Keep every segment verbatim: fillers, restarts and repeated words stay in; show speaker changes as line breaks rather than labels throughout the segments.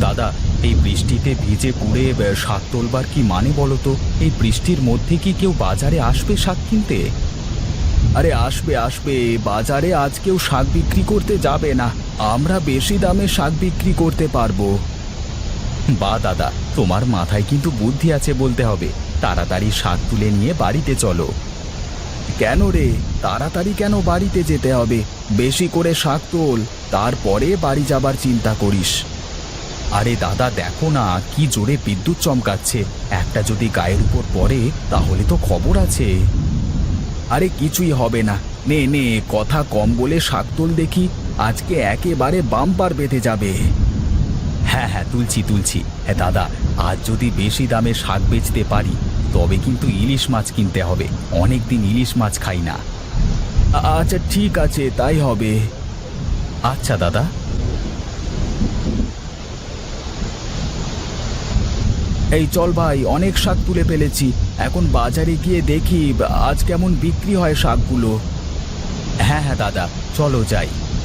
দাদা, এই বৃষ্টিতে ভিজে পুড়ে আহ, শাক তোলবার কি মানে বলো তো? এই বৃষ্টির মধ্যে কি কেউ বাজারে আসবে শাক কিনতে? আরে আসবে আসবে, বাজারে আজ কেউ শাক বিক্রি করতে যাবে না। আমরা বেশি দামে শাক বিক্রি করতে পারবো। বা দাদা, তোমার মাথায় কিন্তু বুদ্ধি আছে বলতে হবে। তাড়াতাড়ি শাক তুলে নিয়ে বাড়িতে চলো। কেন রে, তাড়াতাড়ি কেন বাড়িতে যেতে হবে? বেশি করে শাক তোল, তারপরে বাড়ি যাবার চিন্তা করিস। আরে দাদা, দেখো না কি জোরে বিদ্যুৎ চমকাচ্ছে। একটা যদি গায়ের উপর পড়ে তাহলে তো খবর আছে। আরে কিছুই হবে না, নে নে, কথা কম বলে শাক তোল দেখি। আজকে একেবারে বাম্পার বেঁধে যাবে। হ্যাঁ হ্যাঁ, তুলছি তুলছি। হ্যাঁ দাদা, আজ যদি বেশি দামে শাক বেচতে পারি তবে কিন্তু ইলিশ মাছ কিনতে হবে। অনেক দিন ইলিশ মাছ খাই না। আচ্ছা ঠিক আছে, তাই হবে। আচ্ছা দাদা। এই চল ভাই, অনেক শাক তুলে ফেলেছি। এখন বাজারে গিয়ে দেখি আজ কেমন বিক্রি হয় শাকগুলো। হ্যাঁ হ্যাঁ দাদা, চলো যাই।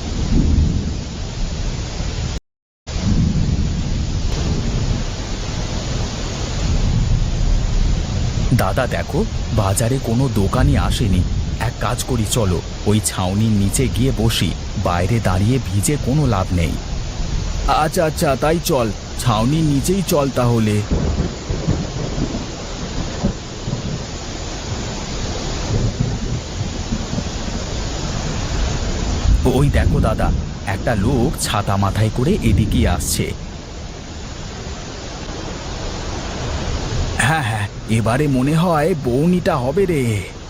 দাদা দেখো, বাজারে কোনো দোকানই আসেনি। এক কাজ করি, চলো ওই ছাউনির নিচে গিয়ে বসি। বাইরে দাঁড়িয়ে ভিজে কোনো লাভ নেই। আচ্ছা আচ্ছা, তাই চল, ছাউনির নিচেই চল তাহলে। ওই দেখো দাদা, একটা লোক ছাতা মাথায় করে এদিকেই আসছে। হ্যাঁ হ্যাঁ, এবারে মনে হয় বউনিটা হবে রে।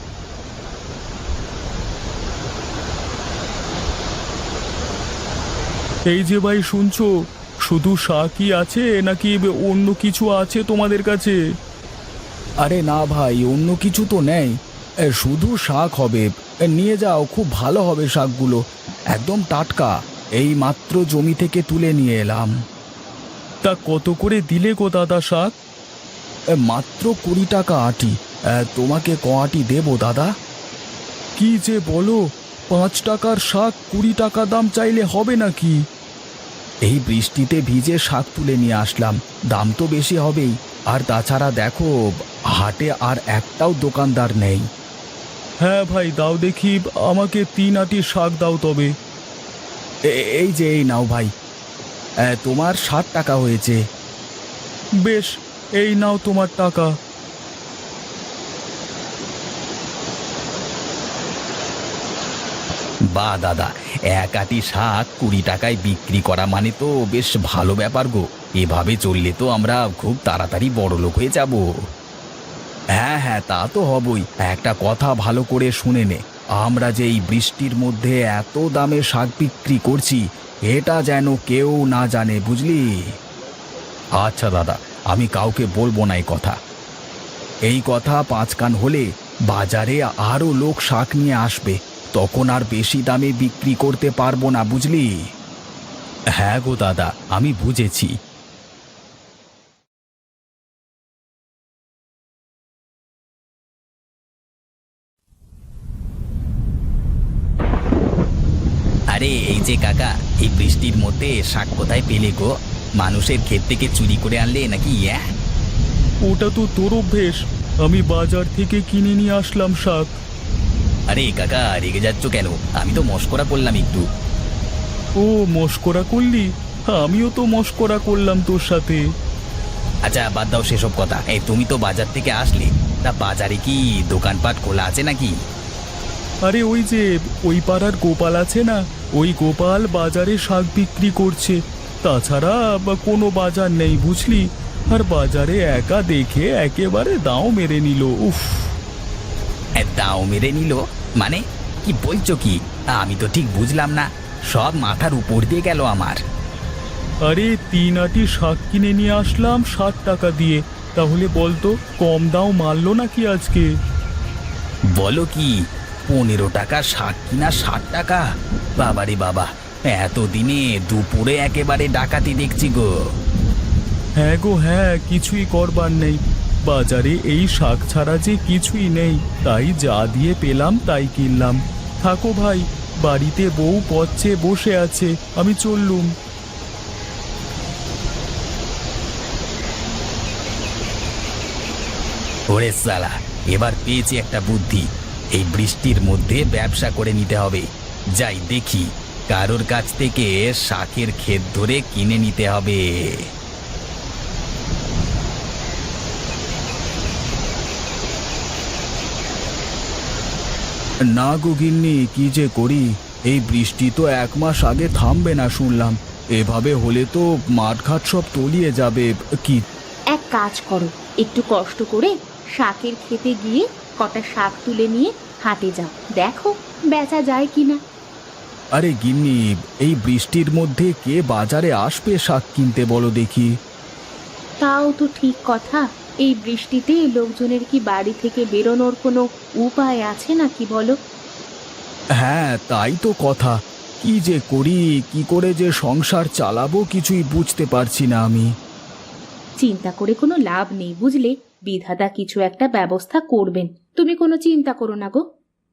এই যে ভাই, শুনছো? শুধু শাকই আছে নাকি অন্য কিছু আছে তোমাদের কাছে?
আরে না ভাই, অন্য কিছু তো নেই, এ, শুধু শাক হবে। এ, নিয়ে যাও, খুব ভালো হবে শাকগুলো, একদম টাটকা, এই মাত্র জমি থেকে তুলে নিয়ে এলাম।
তা কত করে দিলে গো দাদা শাক?
এ, মাত্র কুড়ি টাকা আটি। এ, তোমাকে ক আটি দেবো দাদা?
কি যে বলো, পাঁচ টাকার শাক কুড়ি টাকা দাম চাইলে হবে নাকি?
এই বৃষ্টিতে ভিজে শাক তুলে নিয়ে আসলাম, দাম তো বেশি হবেই। আর তাছাড়া দেখো, হাটে আর একটাও দোকানদার নেই।
হ্যাঁ ভাই, দাও দেখি, আমাকে তিন আটি শাক দাও তবে।
এ- এই যে, এই নাও ভাই, এ, তোমার ষাট টাকা হয়েছে।
বেশ, এই নাও তোমার টাকা।
বা দাদা, এক আটি শাক কুড়ি টাকায় বিক্রি করা মানে তো বেশ ভালো ব্যাপার গো। এভাবে চললে তো আমরা খুব তাড়াতাড়ি বড়লোক হয়ে যাব। হ্যাঁ হ্যাঁ, তা তো হবই। একটা কথা ভালো করে শুনে নে, আমরা যে এই বৃষ্টির মধ্যে এত দামে শাক বিক্রি করছি, এটা যেন কেউ না জানে, বুঝলি? আচ্ছা দাদা, আমি কাউকে বলবো না এই কথা। এই কথা পাঁচ কান হলে বাজারে আরো লোক শাক নিয়ে আসবে, তখন আর বেশি দামে বিক্রি করতে পারবো না, বুঝলি? হ্যাঁ গো দাদা, আমি বুঝেছি। আরে এই যে কাকা, এই বৃষ্টির মধ্যে শাক কোথায় পেলে গো? মানুষের ক্ষেত থেকে চুরি করে আনলে নাকি? ইয়া,
ওটা তো তোর অভ্যেস, আমি বাজার থেকে কিনে নিয়ে আসলাম শাক।
আরে কাকা, রেগে যাচ্ছ কেন? আমি তো মশকরা করলাম একটু।
ও, মশকরা করলি? আমিও তো মশকরা করলাম তোর সাথে।
আচ্ছা বাদ দাও সেসব কথা। এই তুমি তো বাজার থেকে আসলে, তা বাজারে কি দোকানপাট খোলা আছে নাকি?
আরে ওই যে ওই পাড়ার গোপাল আছে না, ওই গোপাল বাজারে শাক বিক্রি করছে। তাছাড়া বা কোনো বাজার নেই, বুঝলি? আর বাজারে একা দেখে একেবারে দাও মেরে নিল। উফ!
এ, দাও মেরে নিল মানে? কি বলছো কি? আমি তো ঠিক বুঝলাম না, সব মাথার উপর দিয়ে গেল আমার।
আরে তিন আটি শাক কিনে নিয়ে আসলাম ষাট টাকা দিয়ে, তাহলে বলতো কম দাও মারলো নাকি আজকে?
বলো কি, পনেরো টাকা শাক কিনা ষাট টাকা? বাবারে বাবা, এতদিনে দুপুরে একেবারে ডাকাতি দেখছি গো।
হ্যাঁ গো হ্যাঁ, কিছুই করবার নেই। বাজারে এই শাক ছাড়া যে কিছুই নেই, তাই যা দিয়ে পেলাম তাই কিনলাম। থাকো ভাই, বাড়িতে বউ পচ্ছে বসে আছে, আমি চললুম।
ওরে সালা, এবার পেয়েছি একটা বুদ্ধি। এই বৃষ্টির মধ্যে ব্যবসা করে নিতে হবে। যাই দেখি, কারোর কাছ থেকে শাকের ক্ষেত ধরে কিনে নিতে হবে। না গো গিন্নি, কি যে করি, এই বৃষ্টি তো এক মাস আগে থামবে না শুনলাম। এভাবে হলে তো মাঠঘাট সব তলিয়ে যাবে। কি
এক কাজ করো, একটু কষ্ট করে শাকের খেতে গিয়ে কটা শাক তুলে নিয়ে হাটে যাও, দেখো বেচা যায় কিনা।
আরে গিন্নি, এই বৃষ্টির মধ্যে কে বাজারে আসবে শাক কিনতে বলো দেখি?
তাও তো ঠিক কথা, এই বৃষ্টিতে লোকজনের কি বাড়ি থেকে বেরোনোর কোনো উপায় আছে নাকি বলো?
হ্যাঁ, তাই তো কথা। কি যে করি, কি করে যে সংসার চালাবো কিছুই বুঝতে পারছি না আমি।
চিন্তা করে কোনো লাভ নেই বুঝলে, বিধাতা কিছু একটা ব্যবস্থা করবেন, তুমি কোনো চিন্তা করো না গো।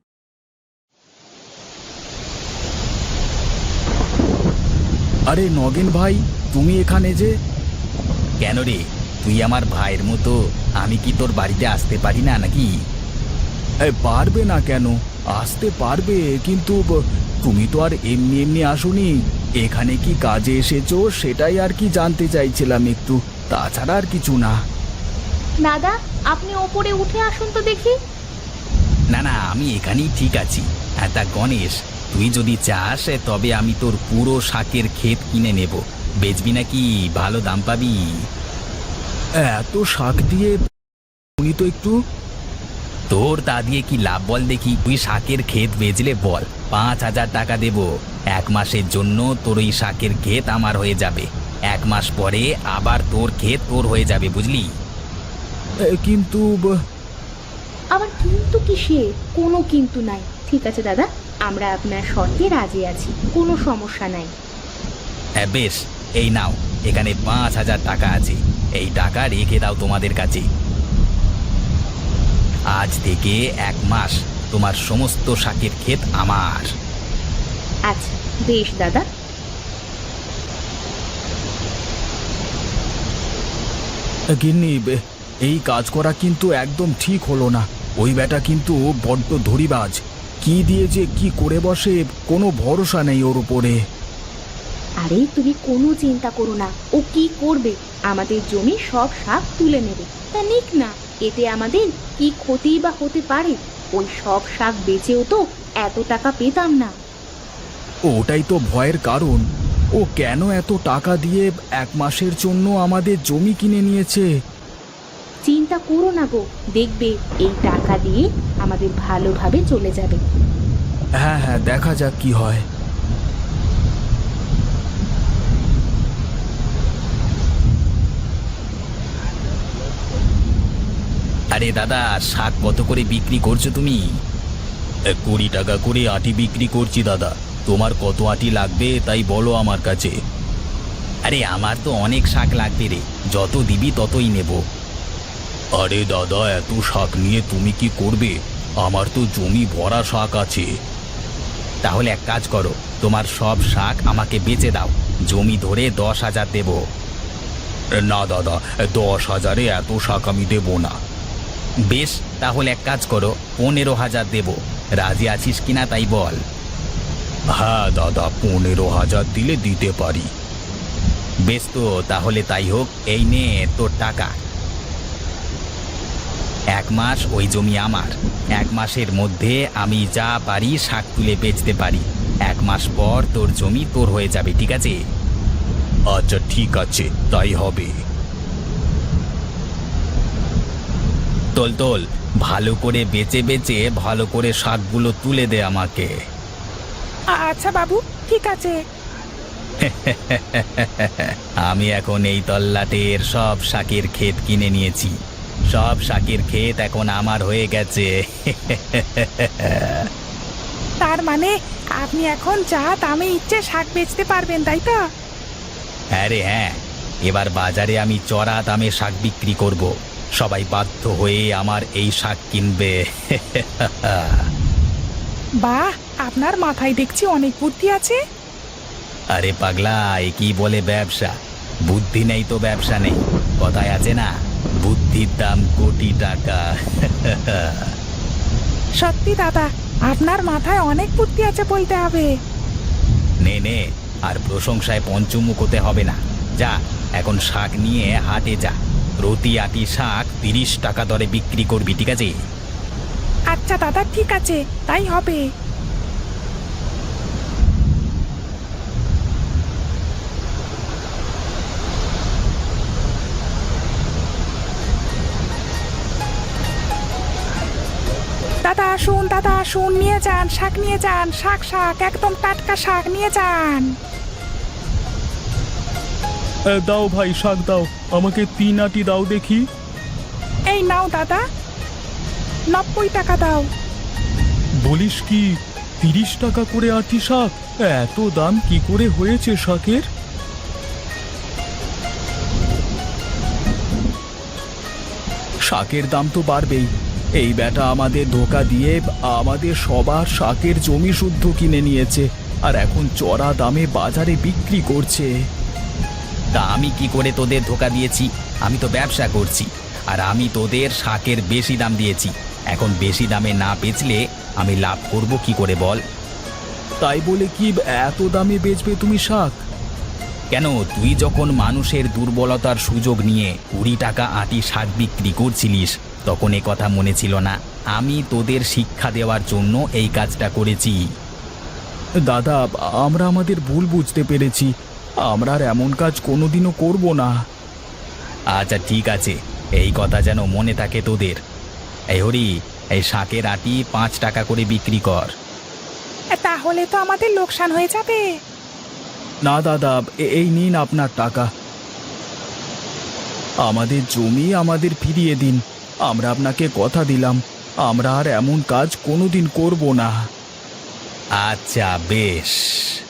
আরে নগেন ভাই, তুমি এখানে যে? কেন রে, তুই আমার ভাইয়ের মতো, আমি কি তোর বাড়িতে আসতে পারি না নাকি? পারবে না কেন, আসতে পারবে, কিন্তু ব- তুমি তো আর এমনি এমনি আসোনি। এখানে কি কাজে এসেছো সেটাই আর কি জানতে চাইছিলাম একটু, তাছাড়া আর কিছু না।
দাদা, আপনি ওপরে উঠে আসুন তো দেখি।
না না, আমি এখানেই ঠিক আছি। হ্যাঁ, তা গণেশ, তুই যদি চাস তবে আমি তোর পুরো শাকের ক্ষেত কিনে নেব। বেচবি নাকি? ভালো দাম পাবি। এত শাক দিয়ে উনি তো একটু, তোর তা দিয়ে কি লাভ বল দেখি? তুই শাকের ক্ষেত বেচলে বল, পাঁচ হাজার টাকা দেব। এক মাসের জন্য তোর ওই শাকের ক্ষেত আমার হয়ে যাবে। এক মাস পরে আবার তোর ক্ষেত তোর হয়ে যাবে, বুঝলি? কিন্তু
আবার কিন্তু কিসে? কোনো কিন্তু নাই। ঠিক আছে দাদা, আমরা আপনার শর্তে রাজি আছি, কোনো সমস্যা নাই।
হ্যাঁ বেশ, এই নাও, এখানে পাঁচ হাজার টাকা আছে। এই টাকা রেখে দাও তোমাদের কাছে। আজ থেকে এক মাস তোমার সমস্ত শাকের ক্ষেত আমার।
আচ্ছা বেশ দাদা।
গিন্নি, এই কাজ করা কিন্তু একদম ঠিক হলো না। ওই বেটা কিন্তু বড্ড ধরিবাজ। কি দিয়ে যে কি করে বসে, কোনো ভরসা নেই ওর উপরে।
আরে তুমি কোনো চিন্তা করো না, ও কি করবে? আমাদের জমি সব শাক তুলে নেবে, তা নিক না, এতে আমাদের কি ক্ষতি বা হতে পারে? ওই সব শাক বেচেও তো এত টাকা পেতাম না।
ওটাই তো ভয়ের কারণ। ও কেন এত টাকা দিয়ে এক মাসের জন্য আমাদের জমি কিনে নিয়েছে?
চিন্তা করো না গো, দেখবে এই টাকা দিয়ে আমাদের ভালোভাবে চলে যাবে।
হ্যাঁ হ্যাঁ, দেখা যাক কি হয়। আরে দাদা, শাক কত করে বিক্রি করছো তুমি? কুড়ি টাকা করে আটি বিক্রি করছি দাদা। তোমার কত আটি লাগবে তাই বলো আমার কাছে। আরে আমার তো অনেক শাক লাগবে রে, যত দিবি ততই নেব। আরে দাদা, এত শাক নিয়ে তুমি কি করবে? আমার তো জমি ভরা শাক আছে। তাহলে এক কাজ করো, তোমার সব শাক আমাকে বেচে দাও, জমি ধরে দশ হাজার দেব। না দাদা, দশ হাজারে এত শাক আমি দেব না। বেশ, তাহলে এক কাজ করো, পনেরো হাজার দেব। রাজি আছিস কিনা তাই বল। হ্যাঁ দাদা, পনেরো হাজার দিলে দিতে পারি। বেশ, তো তাহলে তাই হোক। এই নে তোর টাকা। এক মাস ওই জমি আমার। এক মাসের মধ্যে আমি যা পারি শাক তুলে বেচতে পারি। এক মাস পর তোর জমি তোর হয়ে যাবে, ঠিক আছে? আচ্ছা ঠিক আছে, তাই হবে। তোল তোল, ভালো করে বেচে বেচে ভালো করে শাকগুলো তুলে দে আমাকে।
আচ্ছা বাবু, ঠিক আছে।
আমি এখন এই তল্লাটের সব শাকের ক্ষেত কিনে নিয়েছি। সব শাকের ক্ষেত এখন আমার হয়ে গেছে।
তার মানে আপনি এখন যা দামে ইচ্ছে শাক বেচতে পারবেন, তাই তো?
হ্যাঁ রে হ্যাঁ, এবার বাজারে আমি চড়া দামে শাক বিক্রি করব। সবাই বাধ্য হয়ে আমার এই শাক কিনবে।
বাহ, আপনার মাথায় দেখছি অনেক বুদ্ধি আছে।
আরে পাগলা, এ কি বলে ব্যবসা? বুদ্ধি নেই তো ব্যবসা নেই, কথায় আছে না? বুদ্ধির দাম কোটি টাকা।
সত্যি দাদা, আপনার মাথায় অনেক বুদ্ধি আছে বলতে হবে।
নে নে, আর প্রশংসায় পঞ্চমুখ হতে হবে না। যা, এখন শাক নিয়ে হাটে যা। প্রতি আটি শাক তিরিশ টাকা দরে বিক্রি করবি, ঠিক আছে?
আচ্ছা দাদা, ঠিক আছে, তাই হবে। দাদা আসুন, দাদা আসুন, নিয়ে যান, শাক নিয়ে যান, শাক শাক একদম টাটকা শাক নিয়ে যান।
এ, দাও ভাই, শাক দাও, আমাকে তিন আটি দাও দেখি।
এই নাও দাদা, নব্বই টাকা দাও।
বলিস কি, তিরিশ টাকা করে আটি শাক? এত দাম কি করে হয়েছে শাকের?
শাকের দাম তো বাড়বেই। এই বেটা আমাদের ধোকা দিয়ে আমাদের সবার শাকের জমি শুদ্ধ কিনে নিয়েছে, আর এখন চড়া দামে বাজারে বিক্রি করছে। তা আমি কি করে তোদের ধোকা দিয়েছি? আমি তো ব্যবসা করছি, আর আমি তোদের শাকের বেশি দাম দিয়েছি। এখন বেশি দামে না বেচলে আমি লাভ করব কি করে বল? তাই বলে কি এত দামে বেচবে তুমি শাক? কেন, তুই যখন মানুষের দুর্বলতার সুযোগ নিয়ে কুড়ি টাকা আটি শাক বিক্রি করছিলিস, তখন এ কথা মনে ছিল না? আমি তোদের শিক্ষা দেওয়ার জন্য এই কাজটা করেছি।
দাদা, আমরা আমাদের ভুল বুঝতে পেরেছি, আমরা আর এমন কাজ কোনোদিনও করব না।
আচ্ছা ঠিক আছে, এই কথা যেন মনে থাকে তোদের। এই হরি, এই শাকের আটি পাঁচ টাকা করে বিক্রি কর।
তাহলে তো আমাদের লোকসান হয়ে যাবে।
না দাদা, এ- এই নিন আপনার টাকা। আমাদের জমি আমাদের ফিরিয়ে দিন। আমরা আপনাকে কথা দিলাম, আমরা আর এমন কাজ কোনোদিন করব না।
আচ্ছা বেশ।